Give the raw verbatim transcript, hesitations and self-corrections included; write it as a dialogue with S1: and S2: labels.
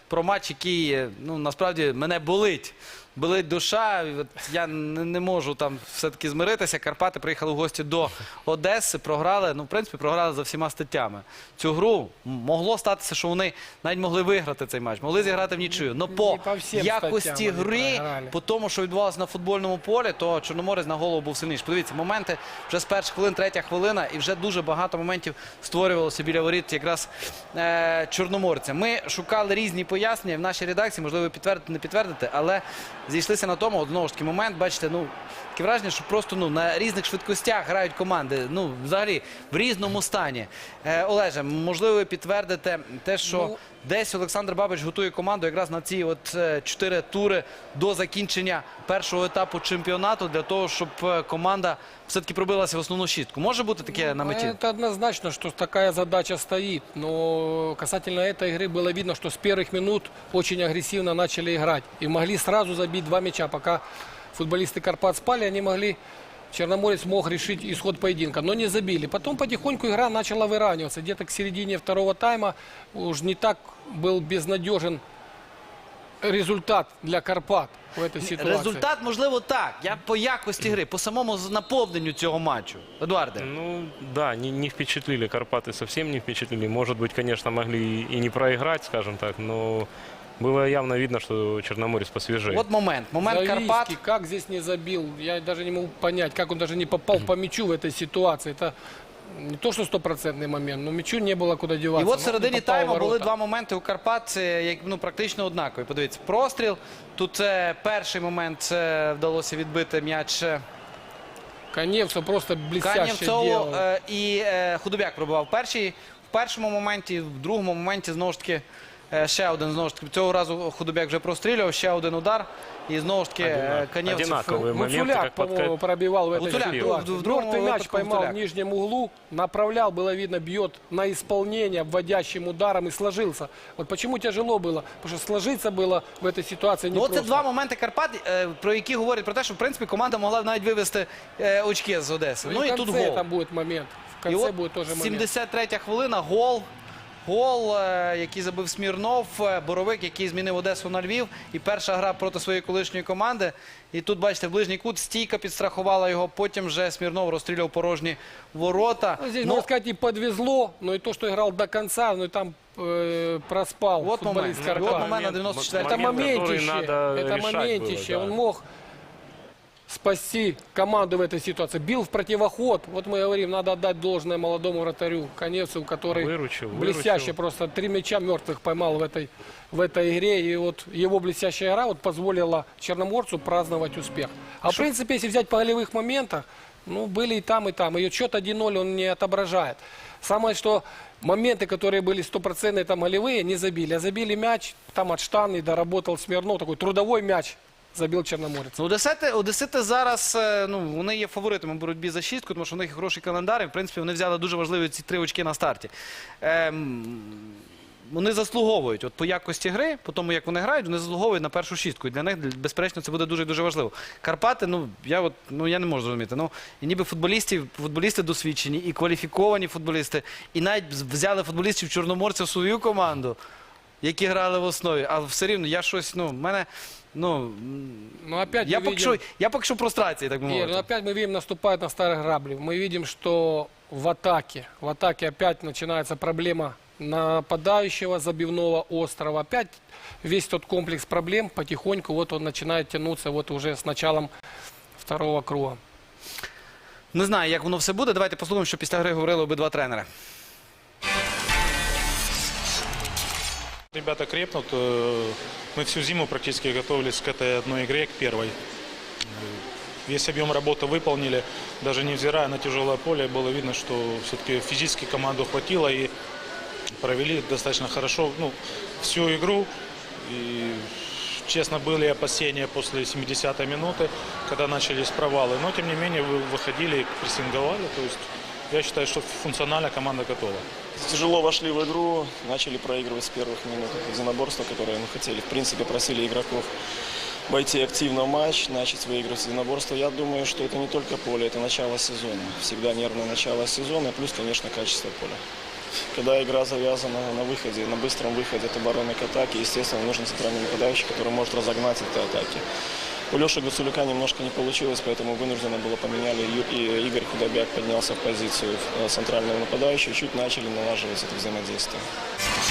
S1: про матч, який, ну, насправді, мене болить. Болить душа, от я не, не можу там все-таки змиритися. Карпати приїхали в гості до Одеси, програли, ну, в принципі, програли за всіма статтями. Цю гру могло статися, що вони навіть могли виграти цей матч, могли зіграти в нічию. Но по,
S2: по
S1: якості гри, по тому, що відбувалося на футбольному полі, то Чорноморець на голову був сильніший. Подивіться, моменти вже з перших хвилин, третя хвилина, і вже дуже багато моментів створювалося біля воріт якраз е, чорноморця. Ми шукали різні пояснення в нашій редакції, можливо, підтвердити, не підтвердити, але зійшлися на тому, от, знову ж таки, момент, бачите, ну, таке враження, що просто, ну, на різних швидкостях грають команди, ну, взагалі, в різному стані. Е, Олеже, можливо, ви підтвердите те, що ну, десь Олександр Бабич готує команду якраз на ці от е, чотири тури до закінчення першого етапу чемпіонату, для того, щоб команда все-таки пробилася в основну шістку. Може бути таке на меті?
S2: Это однозначно, что такая задача стоит. Но касательно этой игры было видно, что с первых минут очень агрессивно начали играть. И могли сразу забить два мяча. Пока футболисты Карпат спали, они могли... Черноморец мог решить исход поединка, но не забили. Потом потихоньку игра начала выравниваться. Где-то к середине второго тайма уж не так был безнадежен результат для Карпат в этой ситуации.
S1: Результат, можливо, так. Я по якості гри, по самому наповненню цього матчу. Едуарде.
S3: Ну, да, не, не впечатлили. Карпаты совсем не впечатлили. Может быть, конечно, могли и не проиграть, скажем так, но было явно видно, что Черноморец посвежее.
S1: Вот момент. Момент
S2: Завийский,
S1: Карпат.
S2: как здесь не забил? Я даже не могу понять, как он даже не попал по мячу в этой ситуации. Это не то, что стопроцентный момент, но мячу не было куда деваться.
S1: І от в середині тайму
S2: в
S1: були два моменти у Карпат, як, ну, практично однакові. Подивіться, простріл. Тут е, перший момент е, вдалося відбити м'яч е,
S2: Каневцев просто блестяще
S1: Канєвцову,
S2: делал.
S1: е, і е, Худобяк пробивав перший. В першому моменті, в другому моменті, знову ж таки, е, ще один, знову ж таки, цього разу Худобяк вже прострілював, ще один удар. І знову ж таки, е, Канєвцев...
S3: Одинаковые моменты,
S2: Гуцуляк,
S3: как под...
S2: по-моему, пробивал в этой
S1: Гуцуляк,
S2: ситуации.
S1: в другом
S2: Мертвый мяч
S1: выпадке
S2: поймал
S1: Гуцуляк.
S2: в нижнем углу, направлял, было видно, бьет на исполнение вводящим ударом и сложился. Вот почему тяжело было? Потому что сложиться было в этой ситуации
S1: Ну,
S2: непросто.
S1: це два моменти Карпат, е, про які говорять про те, що, в принципі, команда могла навіть вивести е, очки з Одеси. Ну,
S2: и
S1: і
S2: в
S1: тут
S2: конце
S1: гол.
S2: там будет момент. В
S1: І
S2: конце
S1: от
S2: будет тоже момент.
S1: сімдесят третя хвилина, гол. Гол, е, який забив Смірнов, е, Боровик, який змінив Одесу на Львів. І перша гра проти своєї колишньої команди. І тут, бачите, в ближній кут стійка підстрахувала його. Потім вже Смірнов розстріляв порожні ворота.
S2: Ну, здесь,
S1: Но
S2: можно сказать, и подвезло, но и то, что играл до конца, но и там э, проспал
S1: Вот момент.
S2: футболист
S1: Вот
S2: Карпат.
S1: момент на девяносто четвёртом.
S2: Это
S3: Момент, который
S2: моментище,
S3: надо
S2: это
S3: решать
S2: моментище.
S3: было, да.
S2: Он мог спасти команду в этой ситуации. Бил в противоход. Вот мы говорим, надо отдать должное молодому вратарю Каневцеву, который
S3: Выручил,
S2: блестяще
S3: выручил.
S2: просто три мяча мертвых поймал в этой, в этой игре. И вот его блестящая игра вот позволила Черноморцу праздновать успех. А в принципе, если взять по голевых моментах, ну, были и там, и там. И счет один ноль он не отображает. Самое, что моменты, которые были стопроцентные там голевые, не забили. А забили мяч, там от штаны доработал Смирнов, такой трудовой мяч забил Чорноморець.
S1: Ну, Одесити, Одесити зараз, е, ну, вони є фаворитами в боротьбі за шістку, тому що в них хороший календар, і, в принципі, вони взяли дуже важливі ці три очки на старті. Ем, вони заслуговують, от по якості гри, по тому, як вони грають, вони заслуговують на першу шістку. І для них, безперечно, це буде дуже-дуже важливо. Карпати, ну, я, от, ну, я не можу зрозуміти. Ну, і ніби футболістів, футболісти досвідчені, і кваліфіковані футболісти, і навіть взяли футболістів Чорноморця в свою команду, які грали в основі. А все рівно, я щось, ну, в мене... Ну,
S2: Но опять
S1: я
S2: мы
S1: поки,
S2: видим...
S1: що, я поки що в прострації, так би
S2: Ир,
S1: мовити.
S2: ну опять мы видим, наступает на старых граблей. Мы видим, что в атаке, в атаке опять начинается проблема нападающего забивного острова. Опять весь тот комплекс проблем потихоньку вот он начинает тянуться вот уже с началом второго круга.
S1: Не знаю, як воно все буде. Давайте послухаємо, що після гри говорили обидва тренери.
S4: Ребята крепнут. Мы всю зиму практически готовились к этой одной игре, к первой. Весь объем работы выполнили, даже невзирая на тяжелое поле, было видно, что все-таки физически команду хватило и провели достаточно хорошо, ну, всю игру. И, честно, были опасения после семидесятой минуты, когда начались провалы, но тем не менее выходили, прессинговали. То есть я считаю, что функционально команда готова.
S5: Тяжело вошли в игру, начали проигрывать с первых минут. Это единоборство, которое мы хотели. В принципе, просили игроков войти активно в матч, начать выигрывать единоборство. Я думаю, что это не только поле, это начало сезона. Всегда нервное начало сезона, плюс, конечно, качество поля. когда игра завязана на выходе, на быстром выходе от обороны к атаке, естественно, нужен центральный нападающий, который может разогнать эти атаки. У Леши Гуцуляка немножко не получилось, поэтому вынужденно было поменяли. И Игорь Худобяк поднялся в позицию центрального нападающего, чуть начали налаживать это взаимодействие.